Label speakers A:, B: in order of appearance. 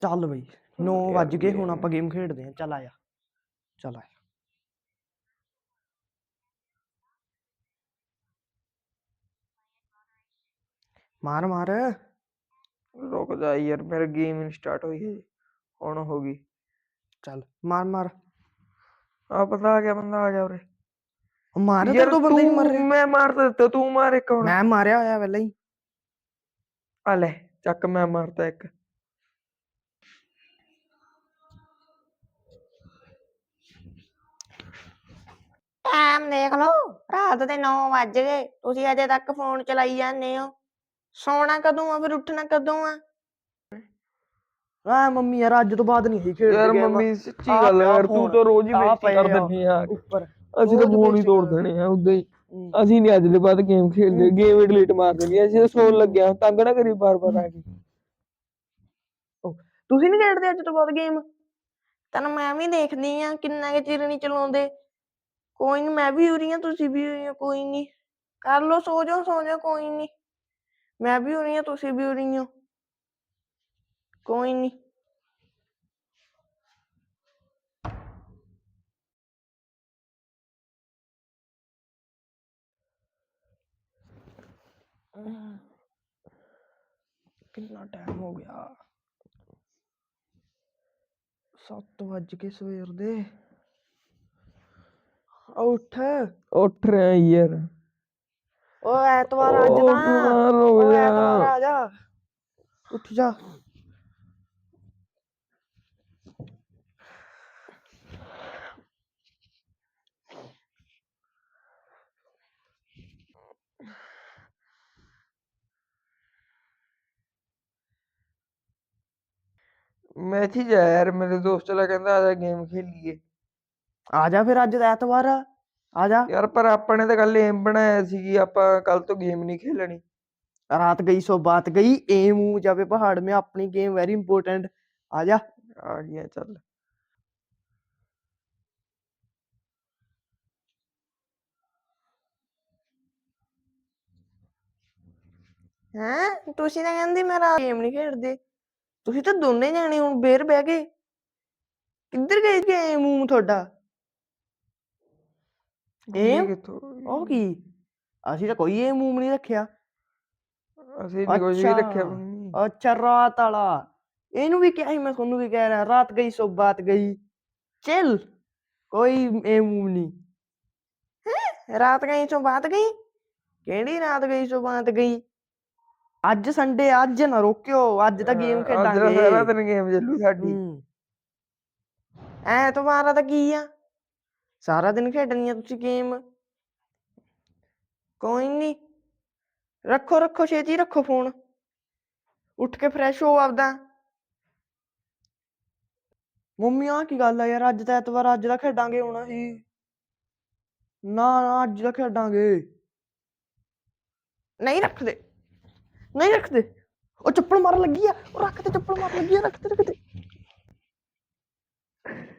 A: ਚੱਲ ਬਈ 9 ਵੱਜ ਗਏ ਹੁਣ ਆਪਾਂ ਗੇਮ ਖੇਡਦੇ ਆਂ। ਚੱਲ ਆਇਆ ਚੱਲ ਆਇਆ। ਮਾਰ ਮਾਰ
B: ਰੁਕ ਜਾ ਯਾਰ ਮੇਰਾ ਗੇਮ ਨਹੀਂ ਸਟਾਰਟ ਹੋਈ ਹੈ ਹੁਣ ਹੋ ਗਈ।
A: ਚੱਲ ਮਾਰ ਮਾਰ
B: ਆ ਬੰਦਾ ਆ ਗਿਆ ਉਰੇ।
A: ਮਾਰ
B: ਯਾਰ
A: ਤੂੰ ਬੰਦੇ ਨਹੀਂ ਮਰ
B: ਤੂੰ
A: ਰਿਹਾ।
B: ਮੈਂ ਮਾਰ ਤਾਂ ਦਿੱਤਾ ਤੂੰ ਮਾਰ ਇੱਕ ਹੁਣ।
A: ਮੈਂ ਮਾਰਿਆ ਹੋਇਆ ਪਹਿਲਾਂ ਹੀ।
B: ਆ ਲੈ ਚੱਕ ਮੈਂ ਮਾਰਤਾ ਇੱਕ।
C: ਟਾਈਮ ਦੇਖ ਲਓ ਰਾਤ ਦੇ 9 ਵੱਜ ਗਏ ਤੁਸੀਂ ਅਜੇ ਤੱਕ ਫੋਨ ਚਲਾਈ ਜਾਂਦੇ ਹੋ। ਸੌਣਾ ਕਦੋਂ ਆ ਫਿਰ ਉੱਠਣਾ ਕਦੋਂ ਆ?
A: ਆ ਮੰਮੀ ਯਾਰ ਅੱਜ ਤੋਂ ਬਾਅਦ ਨਹੀਂ ਖੇਡਦੇ
B: ਯਾਰ
A: game।
B: ਮੰਮੀ ਸੱਚੀ ਗੱਲ ਯਾਰ ਤੂੰ ਤਾਂ ਰੋਜ਼ ਹੀ ਬੇਇੱਜ਼ਤੀ ਕਰ ਦਿੰਦੀ ਆ।
A: ਉੱਪਰ
B: ਅਸੀਂ ਤਾਂ ਫੋਨ ਹੀ ਤੋੜ ਦੇਣੇ ਆ ਉਦਾਂ ਹੀ। ਅਸੀਂ ਨਹੀਂ ਅੱਜ ਦੇ ਬਾਅਦ ਗੇਮ ਖੇਡਦੇ ਗੇਮ ਹੀ ਡਿਲੀਟ ਮਾਰ ਦੇਣੀ। ਅਸੀਂ ਤਾਂ ਸੌਣ ਲੱਗਿਆ ਤੰਗ ਨਾ ਕਰੀ ਬਾਰ ਆ ਕੇ।
A: ਤੁਸੀਂ ਨਹੀਂ ਖੇਡਦੇ ਅੱਜ ਤੋਂ ਬਾਅਦ ਗੇਮ?
C: ਤੈਨੂੰ ਮੈਂ ਵੀ ਦੇਖਦੀ ਆ ਕਿੰਨਾ ਕੁ ਚਿਰ ਨੀ ਚਲਾਉਂਦੇ। ਕੋਈ ਨੀ ਮੈਂ ਵੀ ਉਰੀ ਆ ਤੁਸੀਂ ਵੀ ਉਰੀ ਆ ਕੋਈ ਨੀ ਕਰ ਲੋ ਸੋ ਜਾਓ ਕੋਈ ਨੀ। ਮੈਂ ਵੀ ਉਰੀ ਆ ਤੁਸੀਂ ਵੀ ਉਰੀ ਹੋ ਕੋਈ ਨੀ।
A: ਕਿੰਨਾ ਟਾਈਮ ਹੋ ਗਿਆ 7 ਵੱਜ ਕੇ ਸਵੇਰ ਦੇ। ਉੱਠ
B: ਉੱਠ ਰਿਹਾ ਯਾਰ।
A: ਓ ਐਤਵਾਰ ਅੱਜ ਤਾਂ ਓ ਐਤਵਾਰ ਆ ਜਾ ਉੱਠ ਜਾ।
B: ਮੈਥੀ ਜਾ ਯਾਰ ਮੇਰੇ ਦੋਸਤ ਚਲਾ ਕਹਿੰਦਾ ਆ ਜਾ ਗੇਮ ਖੇਲੀਏ।
A: ਆ ਜਾ ਫਿਰ ਅੱਜ ਐਤਵਾਰ ਆ ਜਾ
B: ਯਾਰ ਪਰ ਆਪਾਂ ਨੇ ਤਾਂ ਕੱਲ ਏਮ ਬਣਾਇਆ ਸੀ ਕਿ ਆਪਾਂ ਕੱਲ ਤੋਂ ਗੇਮ ਨਹੀਂ ਖੇਲਣੀ।
A: रात गई सो बात गई एम जावे पहाड़ में अपनी गेम वेरी इंपॉर्टेंट आजा
B: आ गया चल।
C: ਹੈਂ ਤੁਸੀਂ ਤਾਂ ਕਹਿੰਦੀ ਮੈਂ ਰਾਤ ਗੇਮ ਨਹੀਂ ਖੇਡਦੇ। ਤੁਸੀਂ ਤਾਂ ਦੋਨੇ ਜਾਣੇ ਹੁਣ ਬੇਰ ਬਹਿ ਗਏ। ਕਿੱਧਰ ਗਏ ਗੇਮ ਤੁਹਾਡਾ?
A: ਉਹ ਕੀ ਅਸੀਂ ਤਾਂ ਕੋਈ ਏਮ ਨਹੀਂ ਰੱਖਿਆ।
B: ਅਸੀਂ ਨਹੀਂ ਕੁਝ ਵੀ ਰੱਖਿਆ।
A: ਅੱਛਾ ਰਾਤ ਵਾਲਾ ਇਹਨੂੰ ਵੀ ਕਿਹਾ ਸੀ ਮੈਂ ਤੁਹਾਨੂੰ ਵੀ ਕਹਿ ਰਿਹਾ ਰਾਤ ਗਈ ਸੋ ਬਾਤ ਗਈ। ਚੱਲ ਕੋਈ ਏਮ ਨਹੀਂ।
C: ਰਾਤ ਗਈ ਸੋ ਬਾਤ ਗਈ ਕਿਹੜੀ ਰਾਤ ਗਈ ਸੋ ਬਾਤ ਗਈ?
A: ਅੱਜ ਸੰਡੇ ਅੱਜ ਨਾ ਰੋਕਿਓ ਅੱਜ ਤਾਂ ਗੇਮ ਖੇਡਾਂਗੇ।
B: ਅੱਜ ਸਾਰਾ ਦਿਨ ਗੇਮ ਚੱਲੂ ਸਾਡੀ।
C: ਐਤਵਾਰ ਤਾਂ ਕੀ ਆ ਸਾਰਾ ਦਿਨ ਖੇਡਣੀ ਆ ਤੁਸੀਂ ਗੇਮ। ਕੋਈ ਨੀ ਰੱਖੋ ਛੇਤੀ ਰੱਖੋ ਫੋਨ। ਉੱਠ ਕੇ ਫਰੈਸ਼ ਹੋ ਆਪਦਾ।
A: ਮੰਮੀ ਆ ਕੀ ਗੱਲ ਆ ਯਾਰ ਅੱਜ ਤਾਂ ਐਤਵਾਰ ਅੱਜ ਦਾ ਖੇਡਾਂਗੇ ਹੁਣ ਅਸੀਂ। ਨਾ ਅੱਜ ਦਾ ਖੇਡਾਂਗੇ।
C: ਨਹੀਂ ਰੱਖਦੇ
A: ਉਹ ਚੱਪਲ ਮਾਰਨ ਲੱਗੀ ਆ ਉਹ ਰੱਖ ਤੇ ਚੱਪਲ ਮਾਰਨ ਲੱਗੀ ਆ ਰੱਖ ਤੇ।